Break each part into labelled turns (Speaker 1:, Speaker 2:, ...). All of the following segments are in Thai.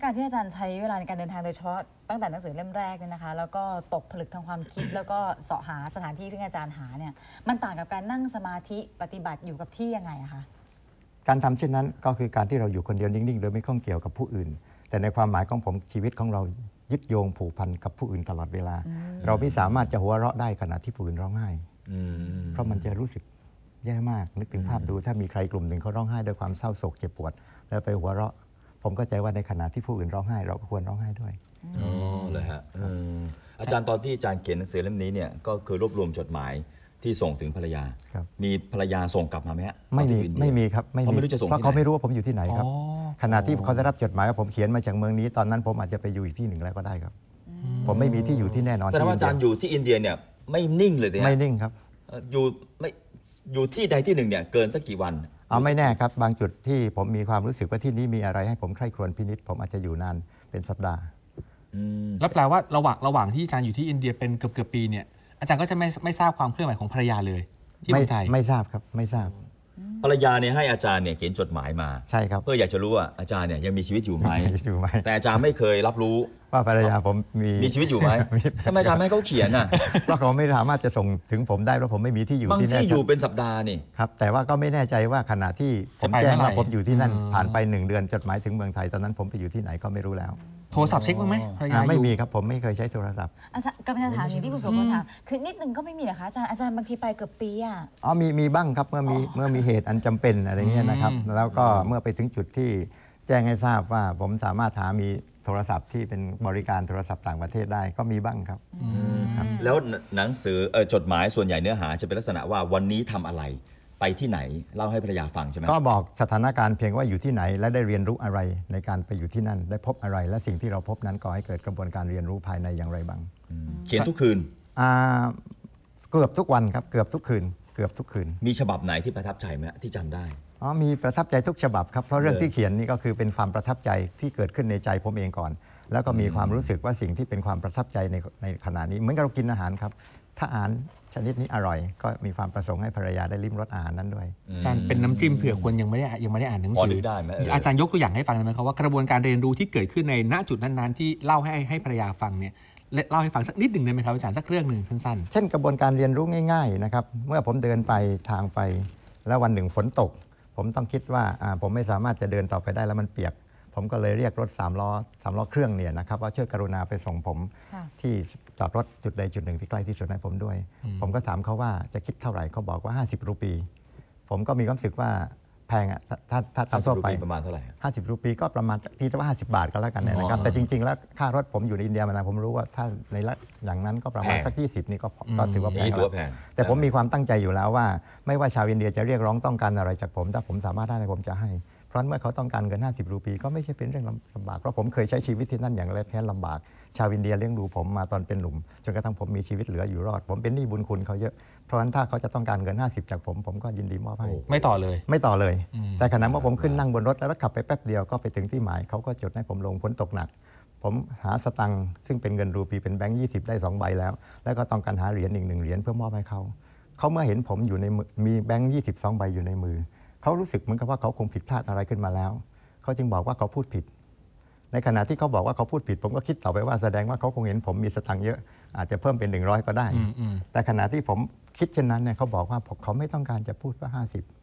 Speaker 1: การที่อาจารย์ใช้เวลาในการเดินทางโดยเฉพาะตั้งแต่หนังสือเล่มแรกเนี่ยนะคะแล้วก็ตกผลึกทางความคิดแล้วก็เสาะหาสถานที่ที่อาจารย์หาเนี่ยมันต่างกับการนั่งสมาธิปฏิบัติอยู่กับที่ยังไงอะคะ
Speaker 2: การทำเช่นนั้นก็คือการที่เราอยู่คนเดียวนิ่งๆโดยไม่ข้องเกี่ยวกับผู้อื่นแต่ในความหมายของผมชีวิตของเรายึดโยงผูกพันกับผู้อื่นตลอดเวลาเราไม่สามารถจะหัวเราะได้ขณะที่ผู้อื่นร้องไห้เพราะมันจะรู้สึกแย่มากนึกถึงภาพดูถ้ามีใครกลุ่มหนึ่งเขาร้องไห้ด้วยความเศร้าโศกเจ็บปวดแล้วไปหัวเราะผมก็ใจว่าในขณะที่ผู้อื่นร้องไห้เราก็ควรร้องไห้ด้วย
Speaker 3: อ๋อเลยฮะอาจารย์ตอนที่อาจารย์เขียนหนังสือเล่มนี้เนี่ยก็คือรวบรวมจดหมายที่ส่งถึงภรรยามีภรรยาส่งกลับมาไหมฮะ
Speaker 2: ไม่มีครับไม่มีเพราะเขาไม่รู้ว่าผมอยู่ที่ไหนครับขณะที่เขาได้รับจดหมายว่าผมเขียนมาจากเมืองนี้ตอนนั้นผมอาจจะไปอยู่อีกที่หนึ่งแล้วก็ได้ครับผมไม่มีที่อยู่ที่แน่นอน
Speaker 3: แสดงว่าอาจารย์อยู่ที่อินเดียเนี่ยไม่นิ่งเลยเนี่ย
Speaker 2: ไม่นิ่งครับ
Speaker 3: อยู่ที่ใดที่หนึ่งเนี่ยเกินสักกี่วัน
Speaker 2: ไม่แน่ครับบางจุดที่ผมมีความรู้สึกว่าที่นี้มีอะไรให้ผมใคร่ครวญพินิจผมอาจจะอยู่นานเป็นสัปดาห์
Speaker 4: แล้วแปลว่าระหว่างที่อาจารย์อยู่ที่อินเดียเป็นเกือบปีเนี่ยอาจารย์ก็จะไม่ทราบความเคลื่อนไหวของภรรยาเลยที่เมืองไทย
Speaker 2: ไม่ทราบครับไม่ทราบ
Speaker 3: ภรรยาเนี่ยให้อาจารย์เนี่ยเขียนจดหมายมา
Speaker 2: ใช่ครับ
Speaker 3: เพื่ออยากจะรู้ว่าอาจารย์เนี่ยยังมีชีวิตอยู่ไหมแต่อาจารย์ไม่เคยรับรู้
Speaker 2: ว่าภรรยาผมมี
Speaker 3: ชีวิตอยู่ไหมทำไมอาจารย์ไม่ให้เขาเขียนอ่ะ
Speaker 2: เพราะเขาไม่สามารถจะส่งถึงผมได้เพราะผมไม่มีที่อยู่
Speaker 3: บางที่อยู่เป็นสัปดาห์นี่
Speaker 2: ครับแต่ว่าก็ไม่แน่ใจว่าขณะที่ผมแจ้งว่าผมอยู่ที่นั่นผ่านไป1 เดือนจดหมายถึงเมืองไทยตอนนั้นผมไปอยู่ที่ไหนก็ไม่รู้แล้ว
Speaker 4: โทรศัพท์เช็คบ้างไหม
Speaker 2: ไม่มีครับผมไม่เคยใช้โทรศัพท์
Speaker 1: อาจารย์กำลังจะถามอย่างที่คุณสุพลถามคือนิดนึงก็ไม่มีเหรอคะอาจารย์บางทีไปเกือบปีอ่ะ
Speaker 2: มีบ้างครับเมื่อมีเหตุอันจำเป็นอะไรเงี้ยนะครับแล้วก็เมื่อไปถึงจุดที่แจ้งให้ทราบว่าผมสามารถมีโทรศัพท์ที่เป็นบริการโทรศัพท์ต่างประเทศได้ก็มีบ้างครับ
Speaker 3: แล้วหนังสือจดหมายส่วนใหญ่เนื้อหาจะเป็นลักษณะว่าวันนี้ทำอะไรไปที่ไหนเล่าให้ภรรยาฟังใช่ไหม
Speaker 2: ก็บอกสถานการณ์เพียงว่าอยู่ที่ไหนและได้เรียนรู้อะไรในการไปอยู่ที่นั่นได้พบอะไรและสิ่งที่เราพบนั้นก่อให้เกิดกระบวนการเรียนรู้ภายในอย่างไรบ้าง
Speaker 3: เขียนทุกคืน
Speaker 2: เกือบทุกวันครับเกือบทุกคืน
Speaker 3: มีฉบับไหนที่ประทับใจไหมที่จำได้
Speaker 2: มีประทับใจทุกฉบับครับเพราะเรื่องที่เขียนนี่ก็คือเป็นความประทับใจที่เกิดขึ้นในใจผมเองก่อนแล้วก็มีความรู้สึกว่าสิ่งที่เป็นความประทับใจในขณะนี้เหมือนกับเรากินอาหารครับถ้าอาหารชนิดนี้อร่อยก็มีความประสงค์ให้ภรรยาได้ลิ้มรสอาหารนั้นด้วย
Speaker 4: อาจารย์เป็นน้ำจิ้มเผื่อคนยังไม่ได้อ่านหนังสืออาจารย์ยกตัวอย่างให้ฟังได้ไหมครับว่ากระบวนการเรียนรู้ที่เกิดขึ้นในณจุดนั้นๆที่เล่าให้ภรรยาฟังเนี่ยเล่าให้ฟังสักนิดหนึ่งได้ไหมครับอาจารย์สักเรื่องหนึ่งสั้น
Speaker 2: ๆเช่นกระบวนการเรียนรู้ง่ายๆนะครับเมื่อผมเดินไปทางไปแล้ววันหนึ่งฝนตกผมต้องคิดว่าผมไม่สามารถจะเดินต่อไปได้แล้วมันเปียกผมก็เลยเรียกรถ3 ล้อเครื่องเนี่ยนะครับว่าช่วยกรุณาไปส่งผมที่จอดรถจุดใดจุดหนึ่งที่ใกล้ที่สุดให้ผมด้วยผมก็ถามเขาว่าจะคิดเท่าไหร่เขาบอกว่า50 รูปีผมก็มีความรู้สึกว่าแพงอ่ะถ้าตามทั่วไป
Speaker 3: ประมาณเท่าไหร่
Speaker 2: 50 รูปีก็ประมาณที่ว่า50 บาทก็แล้วกันนะครับแต่จริงๆแล้วค่ารถผมอยู่ในอินเดียมานานผมรู้ว่าถ้าในอย่างนั้นก็ประมาณสัก20นี่ก็ถือว่าแพงแต่ผมมีความตั้งใจอยู่แล้วว่าไม่ว่าชาวอินเดียจะเรียกร้องต้องการอะไรจากผมถ้าผมสามารถได้ผมจะให้เพราะเมื่อเขาต้องการเงิน50 รูปีก็ไม่ใช่เป็นเรื่องลำบากเพราะผมเคยใช้ชีวิตที่นั่นอย่างแค้นลำบากชาวอินเดียเลี้ยงดูผมมาตอนเป็นหนุ่มจนกระทั่งผมมีชีวิตเหลืออยู่รอดผมเป็นหนี้บุญคุณเขาเยอะเพราะฉะนั้นถ้าเขาจะต้องการเงิน50จากผมก็ยินดีมอบให้
Speaker 4: ไม่ต่อเลย
Speaker 2: แต่ขณะเมื่อผมขึ้นนั่งบนรถแล้วขับไปแป๊บเดียวก็ไปถึงที่หมายเขาก็จดให้ผมลงฝนตกหนักผมหาสตังค์ซึ่งเป็นเงินรูปีเป็นแบงค์20ได้2 ใบแล้วก็ต้องการหาเหรียญอีก1 เหรียญเพื่อมอบให้เขาเมื่อเห็นผมอยู่ในมีแบงค์22 ใบอยู่ในมือเขารู้สึกเหมือนกับว่าเขาคงผิดพลาดอะไรขึ้นมาแล้วเขาจึงบอกว่าเขาพูดผิดในขณะที่เขาบอกว่าเขาพูดผิดผมก็คิดต่อไปว่าแสดงว่าเขาคงเห็นผมมีสตังค์เยอะอาจจะเพิ่มเป็น100ก็ได้แต่ขณะที่ผมคิดเช่นนั้นเนี่ยเขาบอกว่าเขาไม่ต้องการจะพูดว่า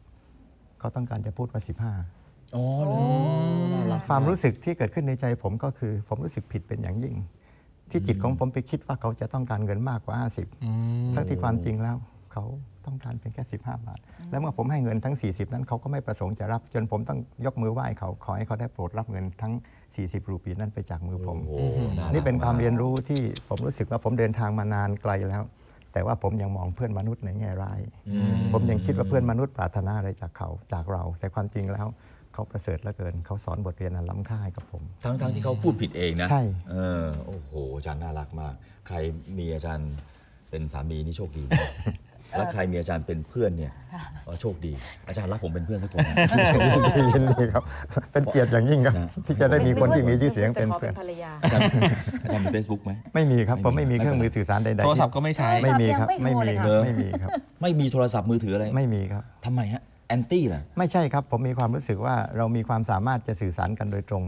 Speaker 2: 50เขาต้องการจะพูดว่า15ความรู้สึกที่เกิดขึ้นในใจผมก็คือผมรู้สึกผิดเป็นอย่างยิ่งที่จิตของผมไปคิดว่าเขาจะต้องการเงินมากกว่า50ทั้งที่ความจริงแล้วเขาต้องการเพียงแค่15 บาทแล้วเมื่อผมให้เงินทั้ง40นั้นเขาก็ไม่ประสงค์จะรับจนผมต้องยกมือไหว้เขาขอให้เขาได้โปรดรับเงินทั้ง40 รูปีนั้นไปจากมือผมนี่เป็นความเรียนรู้ที่ผมรู้สึกว่าผมเดินทางมานานไกลแล้วแต่ว่าผมยังมองเพื่อนมนุษย์ในแง่ร้ายผมยังคิดว่าเพื่อนมนุษย์ปรารถนาอะไรจากเราแต่ความจริงแล้วเขาประเสริฐเหลือเกินเขาสอนบทเรียนอันล้ำค่าให้กับผม
Speaker 3: ทั้งที่เขาพูดผิดเองนะ
Speaker 2: ใช่
Speaker 3: โอ้โหอาจารย์น่ารักมากใครมีอาจารย์เป็นสามีนี่โชคดีแล้วใครมีอาจารย์เป็นเพื่อนเนี่ยโชคดีอาจารย์รักผมเป็นเพื่อนสักคน
Speaker 2: ยินดีครับเป็นเกียรติอย่างยิ่งครับที่จะได้มีคนที่มีชื่อเสียงเป็นเพื่อน
Speaker 3: อาจารย์มี Facebook ไหม
Speaker 2: ไม่มีครับผมไม่มีเครื่องมือสื่อสารใดๆ
Speaker 4: โทรศัพท์ก็ไม่ใช้
Speaker 2: ไม่มีครับไม่มีครับ
Speaker 3: ไม่มีโทรศัพท์มือถืออะไร
Speaker 2: ไม่มีครับ
Speaker 3: ทำไมฮะแอนตี้เหรอ
Speaker 2: ไม่ใช่ครับผมมีความรู้สึกว่าเรามีความสามารถจะสื่อสารกันโดยตรง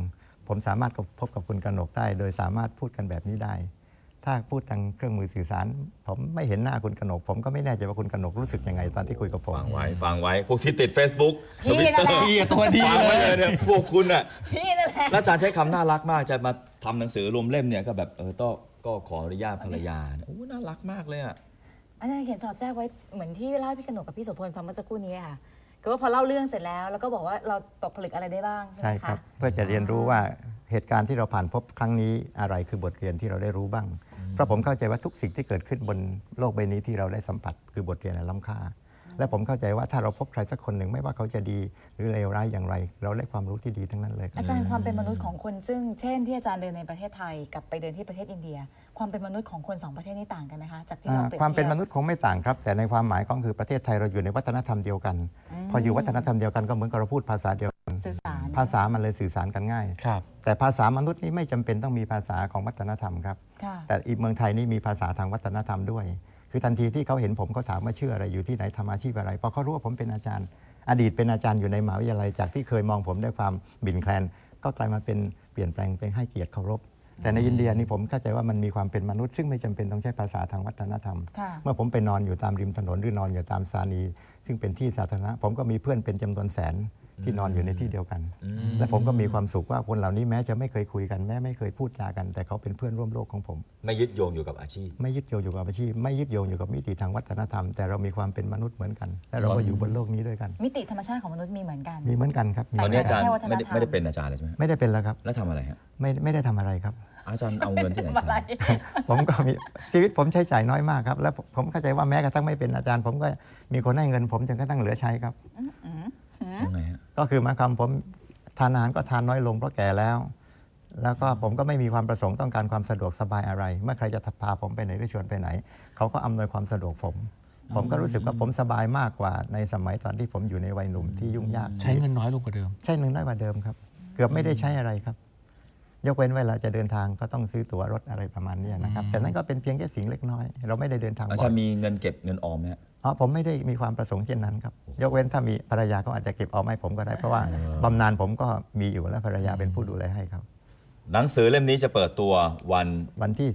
Speaker 2: ผมสามารถพบกับคุณกนกได้ โดยสามารถพูดกันแบบนี้ได้ ถ้าพูดทางเครื่องมือสื่อสาร ผมไม่เห็นหน้าคุณกนกผมก็ไม่แน่ใจว่าคุณกนกรู้สึกยังไงตอนที่คุยกับผม
Speaker 3: ฟังไว้พวกที่ติด Facebook
Speaker 1: พี่นั่นแหละ
Speaker 4: พี่ตัวดี
Speaker 3: ฟัง
Speaker 4: เล
Speaker 3: ไว้
Speaker 4: ย
Speaker 3: เลยเนี่ยพวกคุณน่ะ
Speaker 1: พี่นั่นแหละ
Speaker 3: แล้วอาจารย์ใช้คำน่ารักมากจะมาทำหนังสือรวมเล่มเนี่ยก็แบบก็ขออนุญาตภรรยาโอ้น่ารักมากเลยอ่ะ
Speaker 1: อาจารย์เขียนสอดแทรกไว้เหมือนที่เล่าให้พี่กนกกับพี่โสพลฟังเมื่อสักครู่นี้ค่ะคือว่าพอเล่าเรื่องเสร็จแล้วก็บอกว่าเราตกผลึกอะไรได้บ้างใช่ไห
Speaker 2: ใช่
Speaker 1: ม
Speaker 2: ครั
Speaker 1: คะ
Speaker 2: บเพื่อจะเรียนรู้ว่าเหตุการณ์ที่เราผ่านพบครั้งนี้อะไรคือบทเรียนที่เราได้รู้บ้าง เพราะผมเข้าใจว่าทุกสิ่งที่เกิดขึ้นบนโลกใบนี้ที่เราได้สัมผัสคือบทเรียนอันล้ำค่า และผมเข้าใจว่าถ้าเราพบใครสักคนหนึ่งไม่ว่าเขาจะดีหรือเลวร้ายอย่างไร เราได้ความรู้ที่ดีทั้งนั้นเลยครับ
Speaker 1: อาจารย์ความเป็นมนุษย์ของคนซึ่งเช่นที่อาจารย์เดินในประเทศไทยกับไปเดินที่ประเทศอินเดีย ความเป็นมนุษย์ของคนสองประเทศนี้ต่างกันไหมคะจากที่เราเปรียบเทียบ
Speaker 2: ความเป็นมนุษย์คงไม่ต่างครับ แต่ในความหมายก็คือประเทศไทยเราอยู่ในวัฒนธรรมเดียวกัน พออยู่วัฒนธรรมเดียวกันก็เหมือนกับเราพูดภาษาเดียวกัน
Speaker 1: สื่อสาร
Speaker 2: ภาษามันเลยสื่อสารกันง่าย
Speaker 4: ครับ
Speaker 2: แต่ภาษามนุษย์นี้ไม่จำเป็นต้องมีภาษาของวัฒนธรรมครับ
Speaker 1: ค่ะ
Speaker 2: แต่อีกเมืองไทยนี่มีภาษาทางวัฒนธรรมด้วย คือทันทีที่เขาเห็นผมเขาถามว่าชื่ออะไรอยู่ที่ไหนทำอาชีพอะไรพอเขารู้ว่าผมเป็นอาจารย์ อดีตเป็นอาจารย์อยู่ในมหาวิทยาลัยจากที่เคยมองผมด้วยความบิ่นแคลนก็กลายมาเป็นเปลี่ยนแปลงเป็นให้เกียรติเคารพแต่ในอินเดียนี่ผมเข้าใจว่ามันมีความเป็นมนุษย์ซึ่งไม่จำเป็นต้องใช้ภาษาทางวัฒนธรรม
Speaker 1: ค่ะ
Speaker 2: เมื่อผมไปนอนอยู่ตามริมถนนหรือนอนอยู่ตามสถานีซึ่งเป็นที่สาธารณะผมก็มีเพื่อนเป็นจำนวนแสนที่นอนอยู่ในที่เดียวกัน และผมก็มีความสุขว่าคนเหล่านี้แม้จะไม่เคยคุยกันแม้ไม่เคยพูดจากัน แต่เขาเป็นเพื่อนร่วมโลกของผม
Speaker 3: ไม่ยึดโยงอยู่กับอาชีพ
Speaker 2: ไม่ยึดโยงอยู่กับอาชีพไม่ยึดโยงอยู่กับมิติทางวัฒนธรรมแต่เรามีความเป็นมนุษย์เหมือนกัน และเราก็อยู่บนโลกนี้ด้วยกัน
Speaker 1: มิติธรรมชาติของมนุษย์มีเหมือนกัน
Speaker 2: มีเหมือนกันครับมี
Speaker 3: ตอนนี้อาจารย์
Speaker 1: แค่วัฒนธรรม
Speaker 3: ไม่ได้เป็นอาจารย์เลยใช่ไหม
Speaker 2: ไม่ได้เป็นแล้วครับ
Speaker 3: แล้วทำอะไรฮะ
Speaker 2: ไม่ได้ทำอะไรครับ
Speaker 3: อาจารย์เอาเงินที่ไหน
Speaker 1: อะไร
Speaker 3: ใช้
Speaker 2: ผมก็มีชีวิตผมใช้จ่ายน้อยมากครับและผมเข้าใจว่าแม้กระทั่งไม่เป็นอาจารย์ ผมก็มีคนให้เงินผมจนกระทั่งเหลือใช้ครับ
Speaker 3: ยังไงฮะ
Speaker 2: ก็คือหมายความผมทานอาหารก็ทานน้อยลงเพราะแก่แล้ว แล้วก็ผมก็ไม่มีความประสงค์ต้องการความสะดวกสบายอะไร เมื่อใครจะพาผมไปไหนหรือชวนไปไหน เขาก็อำนวยความสะดวกผมก็รู้สึกว่าผมสบายมากกว่าในสมัยตอนที่ผมอยู่ในวัยหนุ่มที่ยุ่งยาก
Speaker 4: ใช้เงินน้อยลงกว่าเดิม
Speaker 2: ใช้เงินน้อยกว่าเดิมครับ เกือบไม่ได้ใช้อะไรครับ ยกเว้นเวลาจะเดินทางก็ต้องซื้อตั๋วรถอะไรประมาณนี้นะครับแต่นั้นก็เป็นเพียงแค่สิ่งเล็กน้อย เราไม่ได้เดินทางบ่
Speaker 3: อา
Speaker 2: อย
Speaker 3: จารย์มีเงินเก็บเงินออมไหมฮะ
Speaker 2: ผมไม่ได้มีความประสงค์เช่นนั้นครับยกเว้นถ้ามีภรรยาก็อาจจะเก็บเอาให้ผมก็ได้เพราะว่าบำนาญผมก็มีอยู่และภรรยาเป็นผู้ดูแลให้ครับ
Speaker 3: หนังสือเล่มนี้จะเปิดตัววัน
Speaker 2: วันที่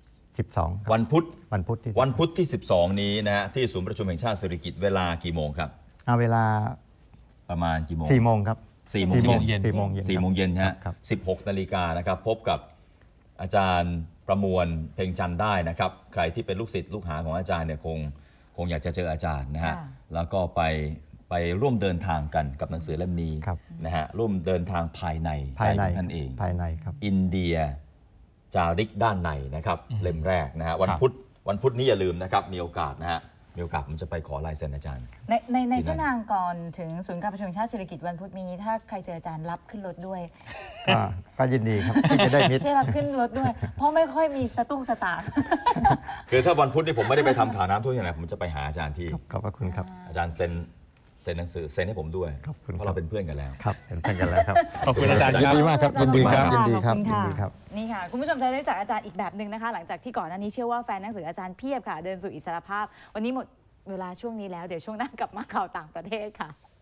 Speaker 2: 12ครับ
Speaker 3: วันพุธ
Speaker 2: วันพุธที่
Speaker 3: วันพุธที่ 12 นี้นะฮะที่ศูนย์ประชุมแห่งชาติสิริกิติ์เวลากี่โมงครับ
Speaker 2: เอาเวลา
Speaker 3: ประมาณกี่โมง
Speaker 2: 4 โมงครับ
Speaker 3: 4 โมง
Speaker 4: เย็น
Speaker 2: 4 โมงเย็น
Speaker 3: 4 โมงเย็นฮะ
Speaker 2: ครับ
Speaker 3: 16 นาฬิกานะครับพบกับอาจารย์ประมวลเพ็งจันทร์ได้นะครับใครที่เป็นลูกศิษย์ลูกหาของอาจารย์เนี่ยคงอยากจะเจออาจารย์นะฮะ
Speaker 1: ค่ะ
Speaker 3: แล้วก็ไปร่วมเดินทางกันกับหนังสือเล่มนี้
Speaker 2: ครับ
Speaker 3: นะฮะร่วมเดินทางภายใน
Speaker 2: ภายใน
Speaker 3: ใจของท่านเอง
Speaker 2: ภายในครับ
Speaker 3: อินเดียจาริกด้านในนะครับเล่มแรกนะฮะวัน
Speaker 4: ครับ
Speaker 3: พุธนี้อย่าลืมนะครับมีโอกาสนะฮะมีโอกาสผมจะไปขอลายเซ็นอาจารย์
Speaker 1: ในเส้นทางก่อนถึงศูนย์การประชุมแห่งชาติสิริกิติ์วันพุธนี้ถ้าใครเจออาจารย์รับขึ้นรถด้วย
Speaker 2: ก็ยินดีครับที่จะได้มิตร
Speaker 1: ช่วยรับขึ้นรถด้วย เพราะไม่ค่อยมีสตุ้งสตางค์
Speaker 3: คือถ้าวันพุธนี่ผมไม่ได้ไปทำข่าวน้ำท่วมอย่างไรผมจะไปหาอาจารย์ที่
Speaker 2: ขอบพระคุณครับ
Speaker 3: อาจารย์เซ็นหนังสือเซ็นให้ผมด้วย
Speaker 2: ขอบคุณ
Speaker 3: เพ
Speaker 2: ครับ
Speaker 3: ราะเราเป็นเพื่อนกันแล้ว
Speaker 2: ครับเป็นเพื่อนกันแล้วครับ
Speaker 4: ขอบคุณอาจารย์
Speaker 2: ยินดีมากครับยินดีครับ
Speaker 1: ขอ
Speaker 2: ยิ
Speaker 1: ณ
Speaker 2: นดีครับ
Speaker 1: ขอณ
Speaker 2: ยินดีครับ
Speaker 1: นี่ค่ะ คุณผู้ชมจะได้รู้จักอาจารย์อีกแบบหนึ่งนะคะ หลังจากที่ก่อนหน้านี้เชื่อว่าแฟนหนังสืออาจารย์เพียบค่ะ เดินสู่อิสรภาพ วันนี้หมดเวลาช่วงนี้แล้วเดี๋ยวช่วงหน้ากลับมาข่าวต่างประเทศค่ะ